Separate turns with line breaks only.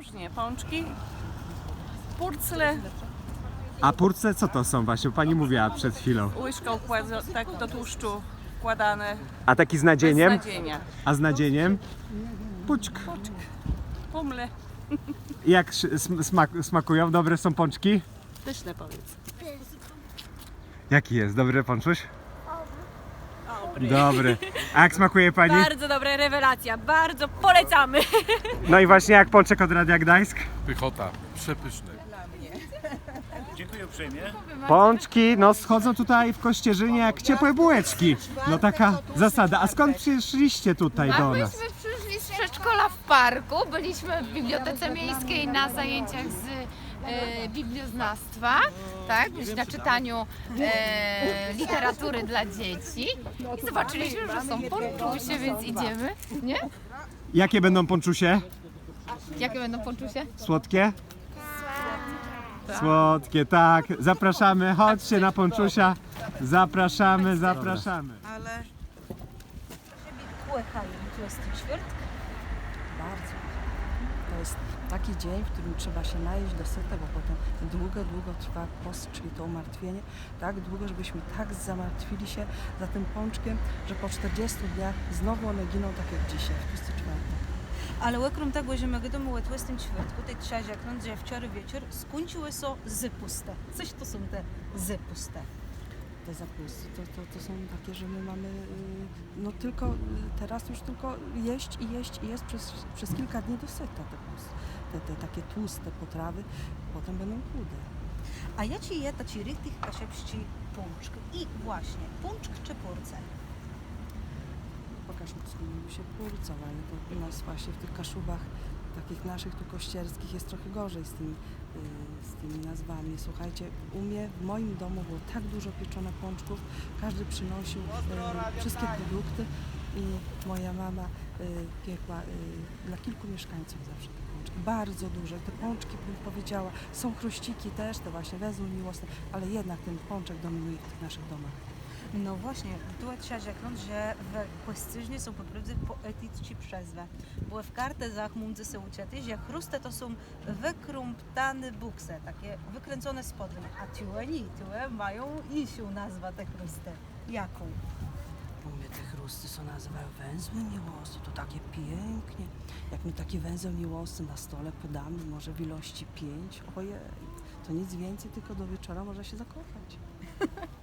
różnie. Pączki, purcle,
A purce co to są właśnie? Pani mówiła przed chwilą.
łyżką tak do tłuszczu wkładane
A taki z
bez
nadzieniem?
nadzienia.
A z nadzieniem? Puczk.
Pumle.
Jak smakują? Dobre są pączki?
Pyszne powiedz.
Jaki jest? Dobry pączuś? Dobry. A jak smakuje pani?
Bardzo dobra rewelacja, bardzo polecamy.
No i właśnie jak pączek od Radia Gdańsk?
Pychota, przepyszny.
Dziękuję uprzejmie.
Pączki, no schodzą tutaj w Kościerzynie jak ciepłe bułeczki. No taka zasada. A skąd przyszliście tutaj do nas?
Myśmy przyszli z przedszkola w parku, byliśmy w Bibliotece Miejskiej na zajęciach z biblioznawstwa, tak, na czytaniu literatury dla dzieci i zobaczyliśmy, że są ponczusie, więc idziemy, nie?
Jakie będą pączusie?
Jakie będą ponczusie?
Słodkie? Słodkie, tak. Zapraszamy, chodźcie na pączusia. Zapraszamy, zapraszamy.
Kochają 24.
Bardzo. To jest taki dzień, w którym trzeba się najeść do syta, bo potem długo trwa post, czyli to umartwienie. Tak długo, żebyśmy tak zamartwili się za tym pączkiem, że po 40 dniach znowu one giną tak jak dzisiaj, w 24.
Але окрім того, що ми будемо у 24, ти час як нам вчора вечір скінчилося зипусте. Це що są te zipusте?
Te zapusty, to są takie, że my mamy no tylko teraz już tylko jeść i jeść przez kilka dni do syta te takie tłuste potrawy, potem będą chude.
А я чи є та чи рік тих кашепщі пунчк? І, właśnie, пунчк чи пурце?
Po kaszubsku mówi się purcą, ale to u nas właśnie w tych kaszubach takich naszych tu kościerskich jest trochę gorzej z tymi nazwami. Słuchajcie, u mnie w moim domu było tak dużo pieczone pączków, każdy przynosił wszystkie produkty i moja mama piekła dla kilku mieszkańców zawsze te pączki. Bardzo duże. Te pączki, bym powiedziała, są chruściki też, te właśnie węzeł miłosny, ale jednak ten pączek dominuje w tych naszych domach.
No właśnie, tu час як нам, że w Kościerzynie są po prostu poetyckie przezwy. Bo w kartezach między się uczyty, że chruste to są wykrumptane bukse, takie wykręcone spodnie, a tiłe mają inną nazwę te chruste. Jaką?
U mnie te chrusty są nazywają węzły miłosne, to takie pięknie. Jak my taki węzeł miłosny na stole podamy, może w ilości 5, ojej, to nic więcej, tylko do wieczora można się zakochać.